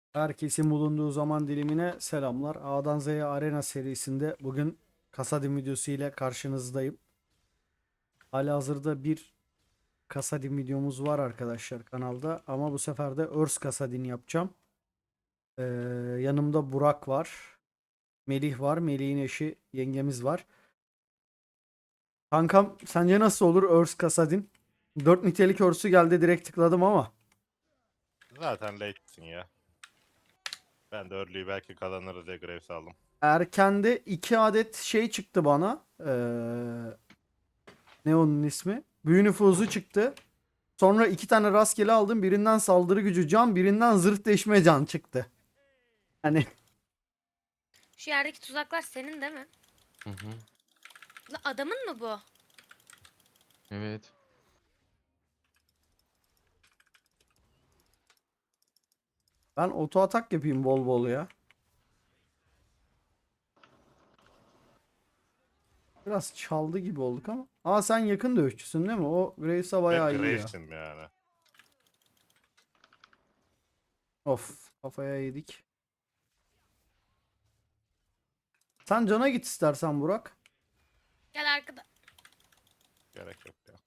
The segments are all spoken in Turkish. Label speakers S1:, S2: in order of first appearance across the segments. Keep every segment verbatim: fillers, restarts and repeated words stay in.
S1: Herkesin bulunduğu zaman dilimine selamlar. A'dan Z'ye Arena serisinde bugün Kasadim videosu ile karşınızdayım. Halihazırda bir Kasadim videomuz var arkadaşlar kanalda ama bu sefer de Örs Kasadin yapacağım. Ee, yanımda Burak var. Melih var. Melih'in eşi yengemiz var. Kankam sence nasıl olur Örs Kasadin? Dört nitelik Örs'ü geldi, direkt tıkladım ama.
S2: Zaten late'sin ya. Ben de early'yi belki kazanırız diye Graves aldım.
S1: Erkende iki adet şey çıktı bana. Ee, ne onun ismi? Büyü nüfuzu çıktı. Sonra iki tane rastgele aldım. Birinden saldırı gücü can, birinden zırh deşme can çıktı. Hani
S3: Şu yerdeki tuzaklar senin değil mi?
S4: Hı hı.
S3: La adamın mı bu?
S4: Evet.
S1: ben oto atak yapayım bol bol ya. Biraz çaldı gibi olduk ama. Aa, sen yakın dövüşçüsün değil mi? O Graves'a
S2: Ve
S1: bayağı iyi ya.
S2: Graves'im yani.
S1: Of, kafaya yedik. Sen cana git istersen Burak.
S3: Gel arkada.
S2: Gerek yok ya.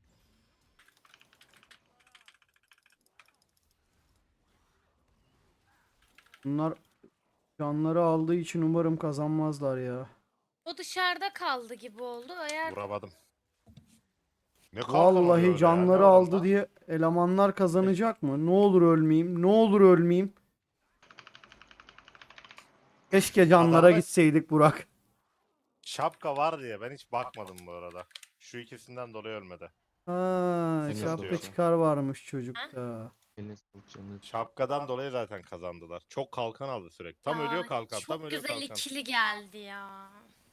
S1: Bunlar canları aldığı için umarım kazanmazlar ya.
S3: O dışarıda kaldı gibi oldu. Eğer
S2: Vuramadım. Ne kalkan oluyor
S1: Vallahi
S2: öyle ya? Ne
S1: canları
S2: var
S1: aldı
S2: onda?
S1: diye elemanlar kazanacak mı? Ne olur ölmeyeyim. Ne olur ölmeyeyim. Keşke canlara
S2: Adamda
S1: gitseydik Burak.
S2: şapka var diye ben hiç bakmadım bu arada. Şu ikisinden dolayı ölmedi.
S1: Ha,
S4: Eline
S1: şapka
S2: sağlık.
S1: çıkar varmış çocukta.
S4: Eline sağlık canım.
S2: Şapkadan dolayı zaten kazandılar. Çok kalkan aldı sürekli. Tam
S3: Aa,
S2: ölüyor kalkan, tam
S3: çok
S2: ölüyor
S3: güzel
S2: kalkan.
S3: ikili geldi ya.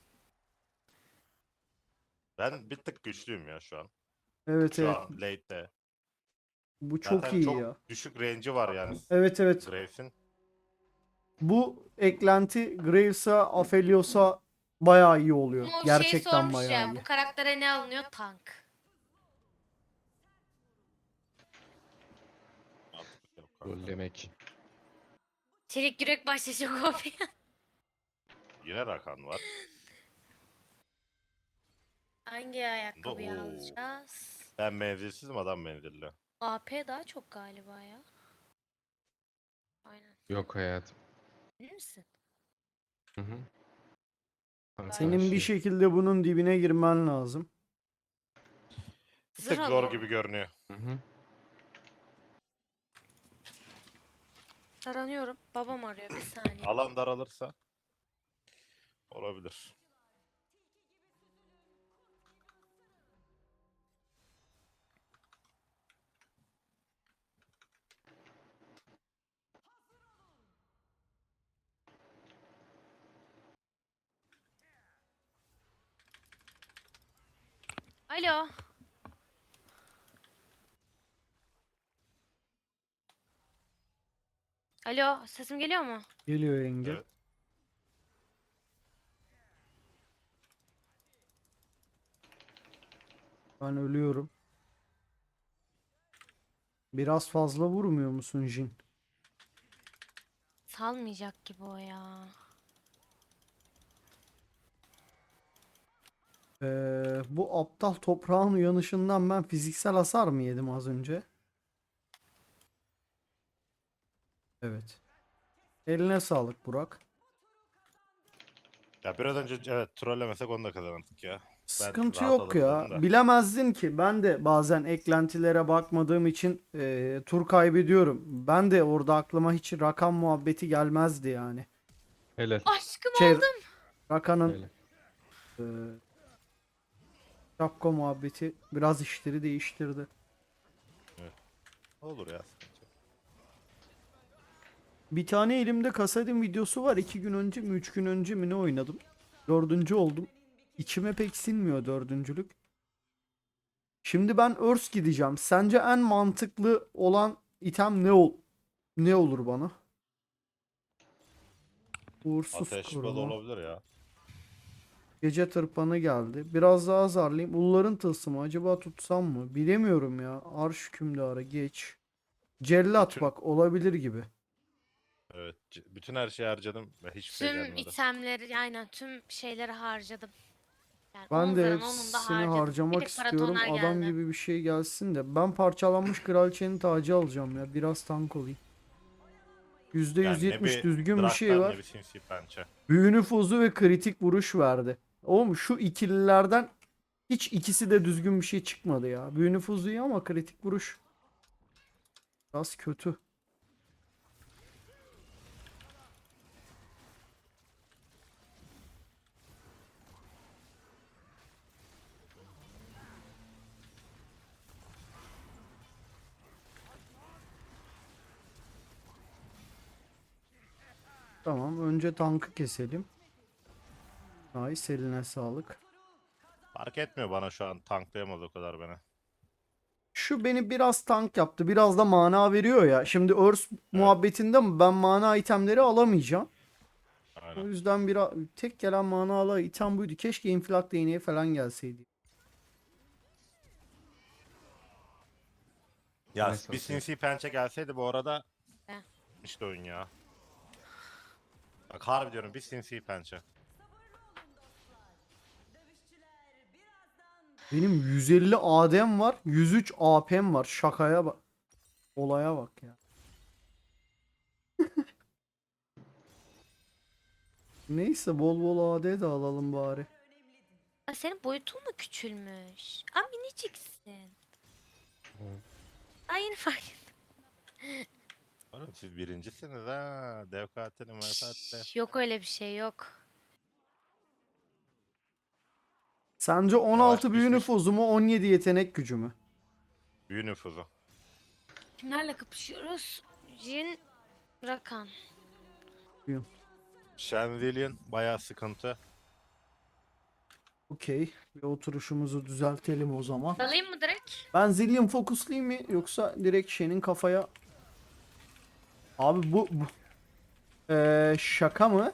S2: Ben bir tık güçlüyüm ya şu an.
S1: Evet
S2: Şu
S1: evet.
S2: an late'de.
S1: Bu çok
S2: Zaten
S1: iyi
S2: çok
S1: ya.
S2: düşük range'i var yani
S1: Evet evet.
S2: Graves'in.
S1: Bu eklenti Graves'a, Aphelios'a bayağı iyi oluyor.
S3: Ama o şey
S1: Gerçekten
S3: sormuş
S1: bayağı
S3: ya.
S1: iyi.
S3: Bu karaktere ne alınıyor? Tank.
S2: Mantıklı yok
S4: Rol
S2: kanka.
S4: demek.
S3: Çelik yürek başlayacak kopya.
S2: Yine Rakan var.
S3: Hangi ayakkabıyı
S2: Oo.
S3: alacağız?
S2: Ben menzilsizim, adam menzilli.
S3: A P daha çok galiba ya. Aynen.
S4: Yok hayatım.
S3: Bilir misin?
S4: Hı hı. Kanka
S1: Senin bir
S4: şey.
S1: şekilde bunun dibine girmen lazım.
S2: Bir
S3: Zırh
S2: tık zor
S3: alalım.
S2: gibi görünüyor.
S4: Hı hı.
S3: Taranıyorum. Babam arıyor. Bir saniye.
S2: Alan daralırsa olabilir.
S3: Alo. Alo. Sesim geliyor mu?
S1: Geliyor yenge.
S2: Evet.
S1: Ben ölüyorum. Biraz fazla vurmuyor musun Jin?
S3: Salmayacak gibi o ya.
S1: Ee, bu aptal toprağın uyanışından ben fiziksel hasar mı yedim az önce? Evet. Eline sağlık Burak.
S2: Ya biraz önce evet trollemesek onu da kazanırdık ya.
S1: Sıkıntı
S2: rahat
S1: yok ya.
S2: alırdım da.
S1: Bilemezdin ki. Ben de bazen eklentilere bakmadığım için e, tur kaybediyorum. Ben de orada aklıma hiç rakam muhabbeti gelmezdi yani.
S4: Helal.
S3: Aşkım
S1: Şey,
S3: aldım.
S1: Rakan'ın
S4: Helal.
S1: e, şapka muhabbeti biraz işleri değiştirdi.
S2: Olur ya. sıkıntı yok.
S1: Bir tane elimde Kasadin videosu var. İki gün önce mi üç gün önce mi ne oynadım. Dördüncü oldum. İçime pek sinmiyor dördüncülük. Şimdi ben Örs gideceğim. Sence en mantıklı olan item ne ol ne olur bana? Uğursuz
S2: Ateş balı
S1: koruma.
S2: olabilir ya.
S1: Gece tırpanı geldi. Biraz daha zarlayayım. Ulların tılsımı acaba tutsam mı? Bilemiyorum ya. Arş hükümdarı geç. Cellat
S2: Bütün-
S1: bak olabilir gibi.
S2: Evet. c- Bütün her şeyi harcadım ve hiçbir şey
S3: Tüm
S2: gelmedi.
S3: itemleri, aynen tüm şeyleri harcadım. Yani
S1: Ben
S3: on
S1: de
S3: zırhın onunu da
S1: hepsini
S3: harcadım. Bir
S1: harcamak
S3: tek
S1: istiyorum.
S3: paratoner
S1: Adam
S3: geldi.
S1: gibi bir şey gelsin de. Ben parçalanmış kraliçenin tacı alacağım ya. Biraz tank olayım.
S2: Yani ne
S1: yüzde yüz yetmiş
S2: bir
S1: düzgün bir şey
S2: Draktar ne
S1: var.
S2: bir sinsi pençe.
S1: Büyü nüfuzu ve kritik vuruş verdi. Oğlum şu ikililerden hiç ikisi de düzgün bir şey çıkmadı ya. Büyü nüfuzu iyi ama kritik vuruş biraz kötü. Tamam, önce tankı keselim. Nice, eline sağlık.
S2: Fark etmiyor bana şu an, tanklayamaz o kadar beni.
S1: Şu beni biraz tank yaptı. Biraz da mana veriyor ya. Şimdi Örs
S2: Evet,
S1: muhabbetinde mi ben mana itemleri alamayacağım. O
S2: aynen.
S1: yüzden bir tek gelen mana ala item buydu. Keşke infilak değneği falan gelseydi.
S2: Ya
S4: Nice
S2: bir
S4: olsun.
S2: sinsi pençe gelseydi bu arada
S3: Heh.
S2: işte oyun ya. Bak harbi diyorum, bir sinsi pençe.
S1: Benim yüz elli A D'm var. yüz üç A P'm var. Şakaya bak. Olaya bak ya. Neyse, bol bol A D de alalım bari.
S3: Aa, senin boyutun mu küçülmüş? Aa, miniciksin.
S4: Evet.
S3: Ay, yeni fark ettim.
S2: Oğlum siz birincisiniz ha. Dev katili mefaatle.
S3: Yok, öyle bir şey yok.
S1: Sence on
S2: Yavaş
S1: altı büyü
S2: pişmiş
S1: nüfuzu mu, on yedi yetenek gücü mü?
S2: büyü nüfuzu.
S3: Kimlerle kapışıyoruz? Jin, Rakan.
S2: Shenzillion bayağı sıkıntı.
S1: Okey. Bir oturuşumuzu düzeltelim o zaman.
S3: Dalayım mı direkt?
S1: Ben Zillion fokuslayayım mı yoksa direkt Shen'in kafaya... Abi bu, bu... Ee, şaka mı?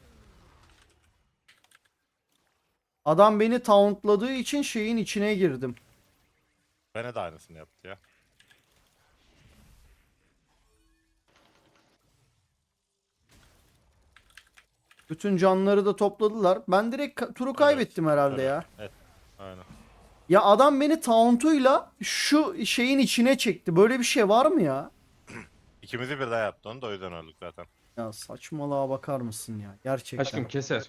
S1: Adam beni tauntladığı için şeyin içine girdim.
S2: Bana da aynısını yaptı ya.
S1: Bütün canları da topladılar. Ben direkt ka- turu kaybettim
S2: Evet,
S1: herhalde
S2: evet,
S1: ya.
S2: evet. Aynen.
S1: Ya adam beni tauntuyla şu şeyin içine çekti. Böyle bir şey var mı ya?
S2: İkimizi birden yaptı onu da, o yüzden öldük zaten.
S1: Ya saçmalığa bakar mısın ya? Gerçekten.
S4: Aşkım keser.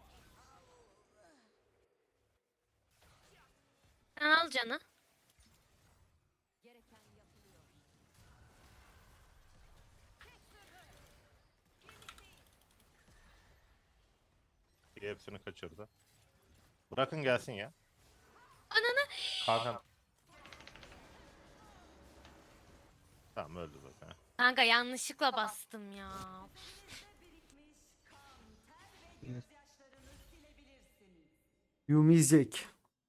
S3: Sen al canı.
S2: İyi, hepsini kaçırdı. Bırakın gelsin ya.
S3: Ananı.
S2: Kanka. Tamam, öldü zaten.
S3: Kanka yanlışlıkla bastım ya.
S1: Yumizek.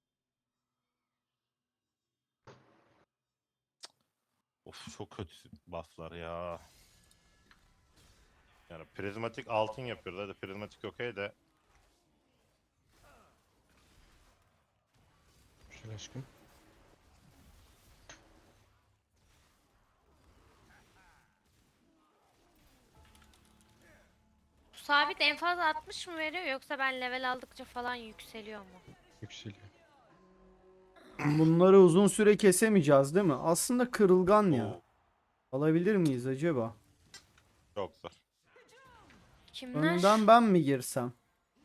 S2: Of, çok kötü bufflar ya. Yani prizmatik altın yapıyoruz. Hadi prizmatik okey de.
S4: Şöyle aşkım.
S3: Bu sabit en fazla altmış mı veriyor, yoksa ben level aldıkça falan yükseliyor mu?
S4: Yükseliyor.
S1: Bunları uzun süre kesemeyeceğiz değil mi? Aslında kırılgan ya.
S2: Oo,
S1: Alabilir miyiz acaba?
S2: çok zor.
S3: Kimler?
S1: Önden ben mi girsem?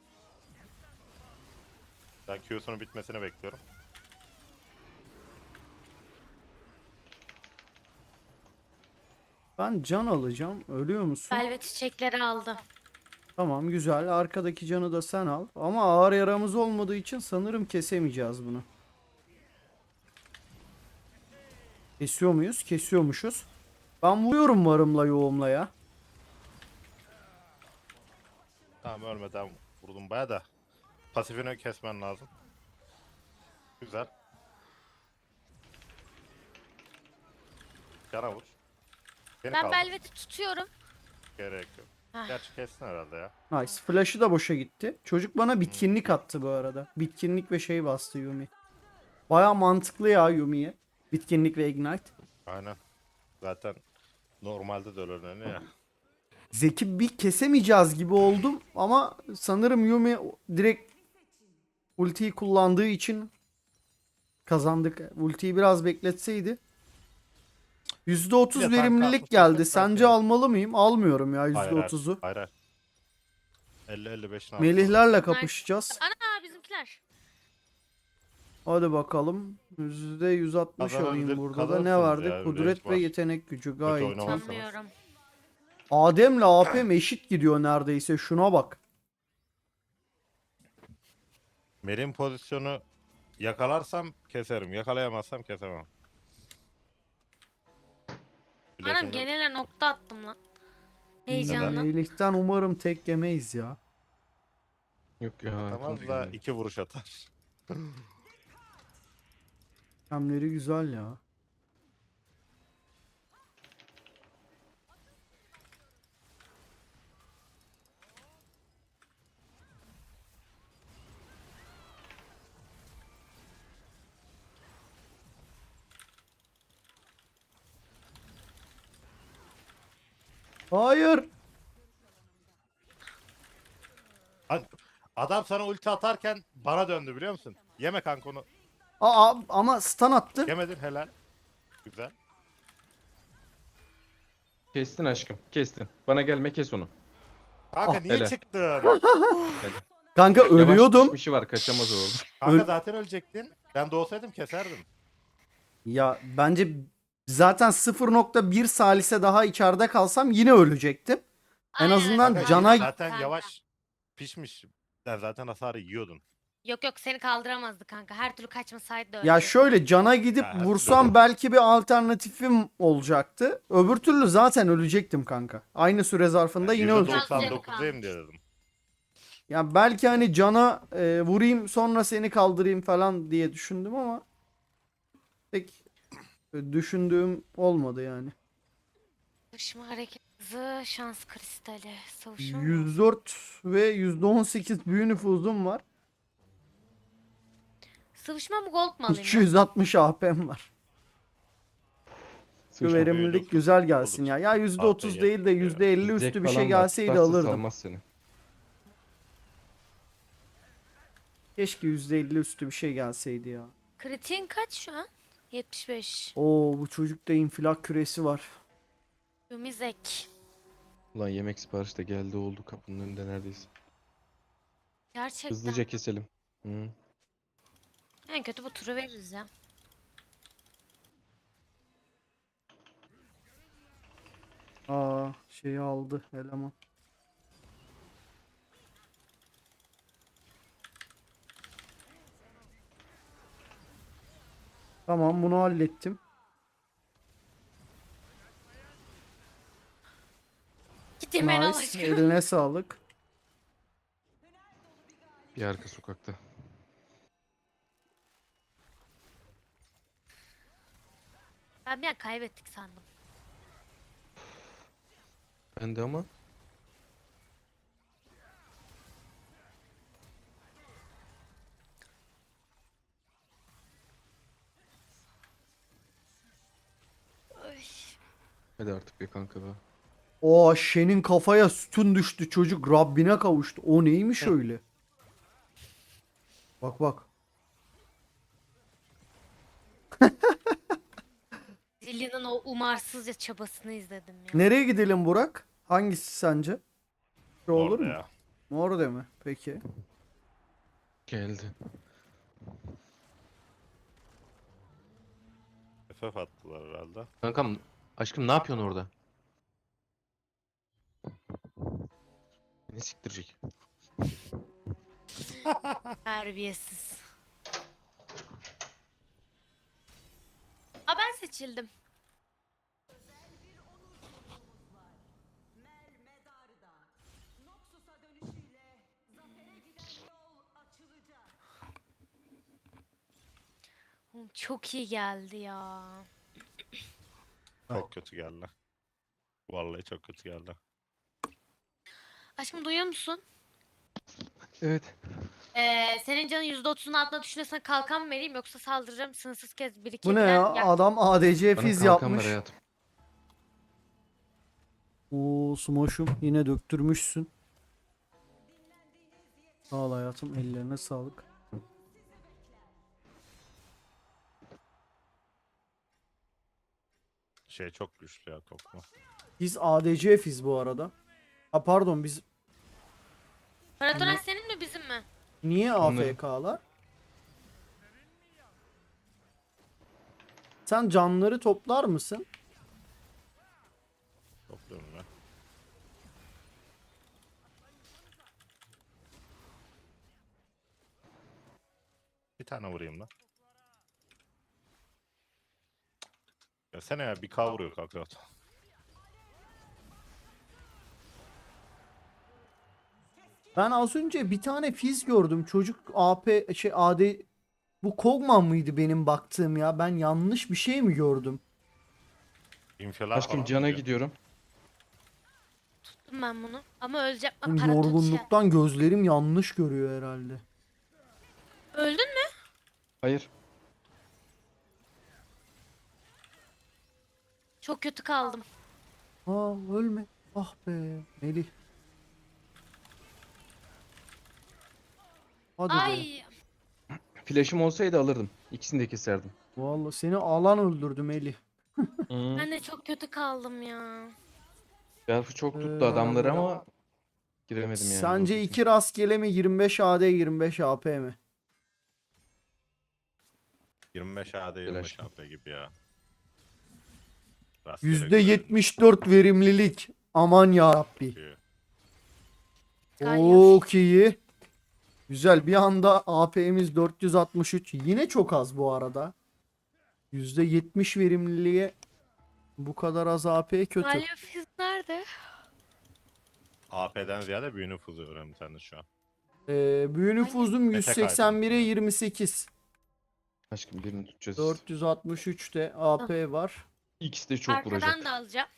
S2: Ben Q'sunun bitmesini bekliyorum.
S1: Ben can alacağım. Ölüyor musun?
S3: Velvet çiçekleri aldı.
S1: Tamam, güzel. Arkadaki canı da sen al. Ama ağır yaramız olmadığı için sanırım kesemeyeceğiz bunu. Kesiyor muyuz? Kesiyormuşuz. Ben vuruyorum varımla yoğumla ya.
S2: Tamam, ölmeden vurdum baya da. Pasifini kesmen lazım. Güzel. Yana vur. Beni
S3: Ben
S2: kaldır.
S3: Velvet'i tutuyorum.
S2: Gerek yok.
S3: Ah.
S2: Gerçi kessin herhalde ya.
S1: Nice. Flash'ı da boşa gitti. Çocuk bana bitkinlik attı bu arada. Bitkinlik ve şey bastı Yumi. Baya mantıklı ya Yumi'ye. Bitkinlik ve Ignite.
S2: Aynen. Zaten normalde de öyle önemli ya.
S1: Zeki bir kesemeyeceğiz gibi oldum ama sanırım Yumi direkt ultiyi kullandığı için kazandık. Ultiyi biraz bekletseydi. yüzde otuz
S2: Bir de tank
S1: verimlilik
S2: atmış
S1: geldi.
S2: olsak
S1: Sence
S2: belki-
S1: almalı mıyım? Almıyorum ya
S2: Hayır hayır.
S1: yüzde otuzu.
S2: Hayır hayır. elli elli beşin
S1: Melihlerle kapışacağız.
S3: Ana bizimkiler.
S1: Hadi bakalım. yüzde yüz altmış alayım
S2: Kazanabilir-
S1: burada da. Ne
S2: kazanırsınız
S1: vardı?
S2: ya,
S1: Kudret
S2: range
S1: ve
S2: var.
S1: yetenek gücü gayet iyi.
S2: oynamazsınız.
S3: Sanmıyorum.
S1: Adem'le A P'm eşit gidiyor neredeyse. Şuna bak.
S2: Merin pozisyonu yakalarsam keserim. Yakalayamazsam kesemem.
S3: Anam
S2: Flash'ım yok.
S3: genele nokta attım lan. Heyecanla.
S1: Melih'ten umarım tek yemeyiz ya.
S4: Yok ya.
S2: Atamaz
S4: yakın
S2: da
S4: değil.
S2: iki vuruş atar.
S1: Hamleri güzel ya. Hayır.
S2: Lan, adam sana ulti atarken bana döndü biliyor musun? Yeme kanka onu.
S1: Aa, ama stun attı.
S2: Yemedin helal. Güzel.
S4: Kestin aşkım. Kestin. Bana gelme kes onu.
S2: Kanka
S1: Ah,
S2: niye
S4: helal.
S2: çıktın?
S4: Hadi.
S1: Kanka ölüyordum.
S4: Yavaş bir var kaçamaz o orada.
S2: Kanka
S1: Öl-
S2: zaten ölecektin. Ben de olsaydım keserdim.
S1: Ya bence zaten sıfır nokta bir salise daha içeride kalsam yine ölecektim. En
S3: Aynen.
S1: azından
S2: Kanka
S1: cana
S2: zaten
S3: Kanka.
S2: yavaş pişmiş. Sen zaten hasarı yiyordun.
S3: Yok yok seni kaldıramazdı kanka. Her türlü kaçmasaydı da
S1: ya
S3: öyle.
S1: şöyle cana gidip
S2: Ya,
S1: vursam belki bir alternatifim olacaktı. Öbür türlü zaten ölecektim kanka. Aynı süre zarfında yine
S2: yüzde
S1: ölecektim.
S3: doksan
S2: doksan'dayım diye dedim.
S1: Ya belki hani cana e, vurayım sonra seni kaldırayım falan diye düşündüm ama pek e, düşündüğüm olmadı yani.
S3: Savuşma hareket hızı, şans kristali. Savuşma mı?
S1: yüz dört ve yüzde on sekiz büyü nüfuzum var.
S3: Sıvışma mı gold mu alayım? ben?
S1: iki yüz altmış A P'm var. Şu
S4: Sıçma.
S1: verimlilik
S2: büyüdük.
S1: güzel gelsin
S2: Olur.
S1: ya. Ya yüzde otuz
S2: Haftaya
S1: değil de
S2: gel-
S1: yüzde elli üstü
S4: Zek
S1: bir
S4: falan
S1: şey
S4: var,
S1: gelseydi
S4: tutarsa
S1: alırdım.
S4: salmaz seni.
S1: Keşke yüzde elli üstü bir şey gelseydi ya.
S3: Kritiğin kaç şu an? yetmiş beş.
S1: Oo, bu çocukta infilak küresi var.
S3: Ümizek.
S4: Ulan yemek siparişi de geldi oldu kapının önünde neredeyse.
S3: Gerçekten.
S4: Hızlıca keselim. Hı.
S3: En kötü bu turu veririz ya.
S1: Aa, şeyi aldı eleman. Tamam, bunu hallettim.
S3: Gideyim ben
S1: Nice.
S3: aşkım.
S1: Eline sağlık.
S4: Bir arka sokakta.
S3: Ben bir an kaybettik sandım.
S4: Ben de ama
S3: Ay.
S4: hadi artık be kanka be.
S1: O Shen'in kafaya sütun düştü, çocuk Rabbine kavuştu. O neymiş öyle? Bak bak.
S3: Zillion'un o umarsızca çabasını izledim ya.
S1: Nereye gidelim Burak? Hangisi sence? Şu olur
S2: Orada
S1: mu?
S2: ya.
S1: Mor de mi? Peki.
S4: Geldi.
S2: F F attılar herhalde.
S4: Kankam aşkım ne yapıyorsun orada? Beni siktirecek.
S3: Terbiyesiz. Aa ben seçildim. Oğlum çok iyi geldi ya.
S2: Çok kötü geldi. Vallahi çok kötü geldi.
S3: Aşkım duyuyor musun?
S4: Evet.
S3: Ee, senin canın yüzde otuzun altına düşünürsen kalkan mı vereyim yoksa saldıracağım sınırsız kez
S1: Bu ne
S3: birikebilen
S1: ya?
S3: yak-
S1: Adam A D C
S4: Bana
S1: fiz
S4: kalkan ver
S1: yapmış.
S4: hayatım.
S1: Oo Smoş'um yine döktürmüşsün. Sağ ol hayatım, ellerine sağlık.
S2: Şey çok güçlü ya toplu.
S1: Biz A D C F'iz bu arada. Ha pardon, biz
S3: Paratoner senin mi bizim mi?
S1: niye
S4: Onların.
S1: A F K'lar? Sen canları toplar mısın?
S2: Topluyorum ya. Bir tane vurayım lan. Ya sen ya bir K vuruyor kanka.
S1: Ben az önce bir tane Fizz gördüm. Çocuk A P şey A D, bu Kog'Maw mıydı benim baktığım ya? Ben yanlış bir şey mi gördüm?
S2: İnfialar
S4: Aşkım
S2: falan
S4: cana
S2: vuruyor.
S4: gidiyorum.
S3: Tuttum ben bunu. Ama öleceğim. Aa,
S1: Oğlum,
S3: Paratot şey.
S1: yorgunluktan gözlerim yanlış görüyor herhalde.
S3: Öldün mü?
S4: Hayır.
S3: Çok kötü kaldım.
S1: Aa ölme. Ah be Melih. Hadi be.
S3: Ay.
S4: Flash'ım olsaydı alırdım. İkisini de keserdim.
S1: Vallahi seni alan öldürdü Melih.
S4: Hı.
S3: Ben de çok kötü kaldım ya.
S4: Berfu çok tuttu
S1: Ee,
S4: adamları ama giremedim yani.
S1: Sence
S4: doğru düzgün.
S1: iki rastgele mi, yirmi beş A D yirmi beş A P mi?
S2: yirmi beş A D yirmi beş
S4: Flash.
S2: A P gibi ya. Rastgele
S1: yüzde
S2: güzel
S1: yetmiş dört verimlilik. Aman ya Rabbi.
S2: çıkıyor.
S3: Galio.
S1: Çok iyi. Güzel, bir anda A P'miz dört yüz altmış üç. Yine çok az bu arada. yüzde yetmiş verimliliğe bu kadar az A P kötü.
S3: Galio Fizz nerede?
S2: A P'den ziyade büyü nüfuzu önemli sende şu an.
S1: Ee, büyü nüfuzum yüz seksen bire yirmi sekiz.
S4: Aşkım birini tutacağız.
S1: dört yüz altmış üçte A P var.
S4: İkisi de çok
S3: Arkadan
S4: vuracak.
S3: da alacağım.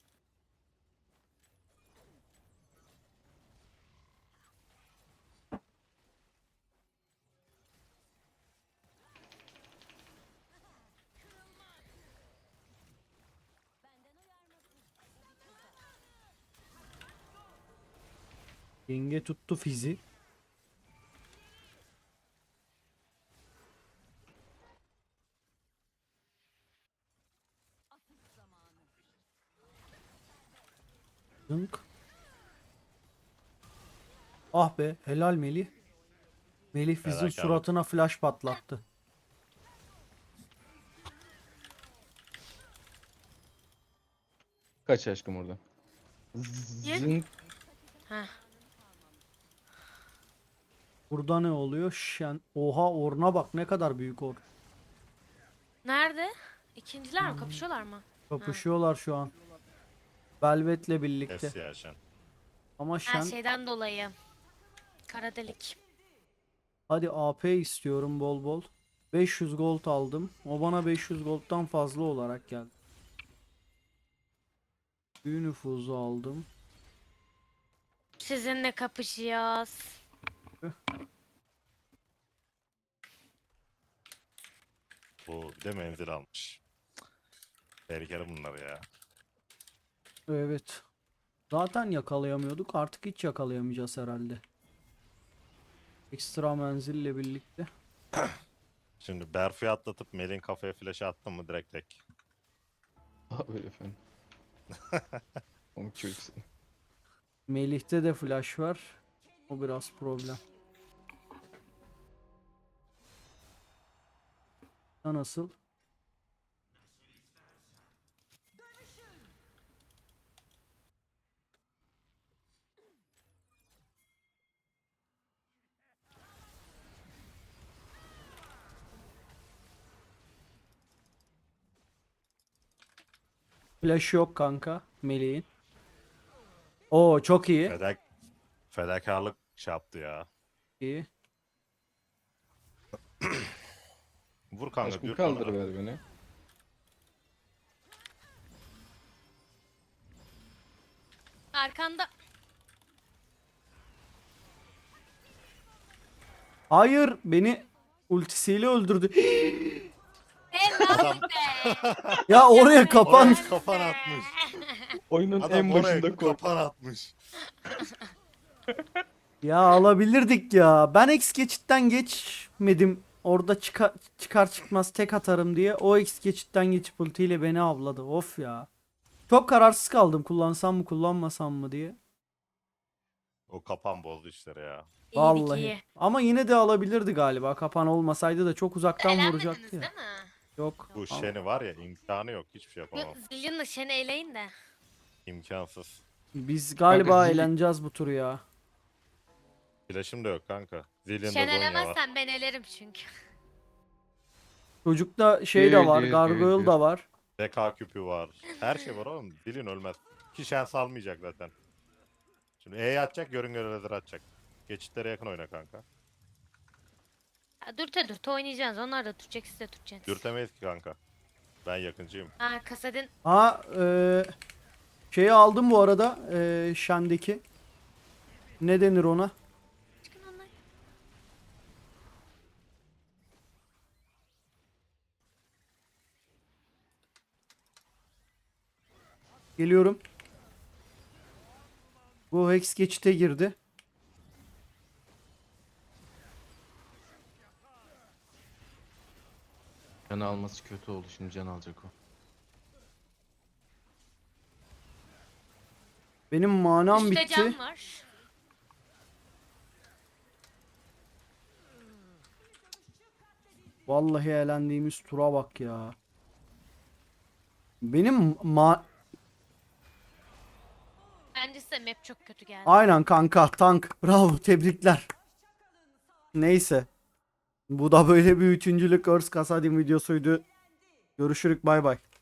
S1: Yenge tuttu fizi. Zınk. Ah be, helal Melih. Melih Fiz'in
S2: Fedakarlık.
S1: suratına flash patlattı.
S4: Kaç aşkım orada.
S3: Ye-
S4: Zın.
S3: Heh.
S1: Burada ne oluyor? Şen. Oha, Orn'a bak, ne kadar büyük Or.
S3: Nerede? İkinciler mi? Kapışıyorlar mı?
S1: Kapışıyorlar şu an. Velvet'le birlikte.
S2: Kes ya sen.
S1: Ama
S3: Her
S1: Şen,
S3: şeyden dolayı. Kara delik.
S1: hadi A P istiyorum bol bol. beş yüz gold aldım. O bana beş yüz gold'dan fazla olarak geldi. Büyü nüfuzu aldım.
S3: Sizinle kapışacağız.
S2: Bu bir de menzil almış. Tehlikeli bunlar ya.
S1: Evet. Zaten yakalayamıyorduk. Artık hiç yakalayamayacağız herhalde. Ekstra menzille birlikte.
S2: Şimdi Berfu'yu atlatıp Melin kafaya flash attın mı direkt tek.
S4: Aha öyle efendim. Onu çocuksun.
S1: Melih'te de flash var. O biraz problem. Ha, nasıl? Flash yok kanka Melih'in. Oo çok iyi.
S2: Fedak fedakarlık şey yaptı ya.
S1: İyi.
S2: Vur kanka
S4: Aşkım
S2: dür
S4: kaldır
S2: kanka.
S4: ver beni.
S3: Arkanda.
S1: Hayır, beni ultisiyle öldürdü.
S3: Helal
S2: Adam
S3: be.
S1: Ya oraya kapan.
S2: oraya kafan atmış.
S4: Oyunun
S2: Adam
S4: en
S2: oraya
S4: başında kork.
S2: kapan atmış.
S1: Ya alabilirdik ya. Ben X geçitten geçmedim. Orada çıkar, çıkar çıkmaz tek atarım diye. O X geçitten geçip ultiyle beni avladı. Of ya. Çok kararsız kaldım. Kullansam mı kullanmasam mı diye.
S2: O kapan bozdu işleri ya.
S3: İyiydik
S1: Vallahi.
S3: iyi.
S1: Ama yine de alabilirdi galiba. Kapan olmasaydı da çok uzaktan
S3: Eğlenmediniz
S1: vuracaktı ya.
S3: değil mi?
S1: Yok.
S2: Bu
S1: Al-
S2: Shen'i var ya imkanı yok. Hiçbir şey
S3: Yok
S2: yapamam.
S3: Zillion'la Shen'i eleyin de.
S2: İmkansız.
S1: Biz galiba
S4: Zilli-
S1: eğleneceğiz bu turu ya.
S2: Flash'ım da yok kanka. Zillion'da
S3: Shen
S2: Zonya var.
S3: elemezsen ben elerim çünkü.
S1: Çocukta şey de
S4: Değil,
S1: var.
S4: değil,
S1: Gargoyle
S2: şey
S4: değil,
S1: da
S4: değil.
S1: var.
S2: B K küpü var. Her şey var oğlum. Zillion ölmez. Ki Shen salmayacak zaten. Şimdi E'ye atacak, görün görevler atacak. Geçitlere yakın oyna kanka.
S3: Ya, dürte dürte oynayacaksınız. Onlar da tutacak siz de tutacaksınız.
S2: Dürtemeyiz ki kanka. Ben yakıncıyım.
S3: Ha Kasadin
S1: Ha e, şeyi aldım bu arada. E, Shen'deki. Ne denir ona?
S3: çıkın onlar.
S1: Geliyorum. Bu Hex geçite girdi.
S4: Canı alması kötü oldu. Şimdi can alacak o.
S1: Benim manam
S3: Üstte
S1: bitti.
S3: can var.
S1: Vallahi eğlendiğimiz tura bak ya. Benim ma...
S3: Bence size map çok kötü geldi.
S1: Aynen kanka tank. Bravo tebrikler. Neyse. Bu da böyle bir üçüncülük Earth Kasadim videosuydu. Görüşürük bay bay.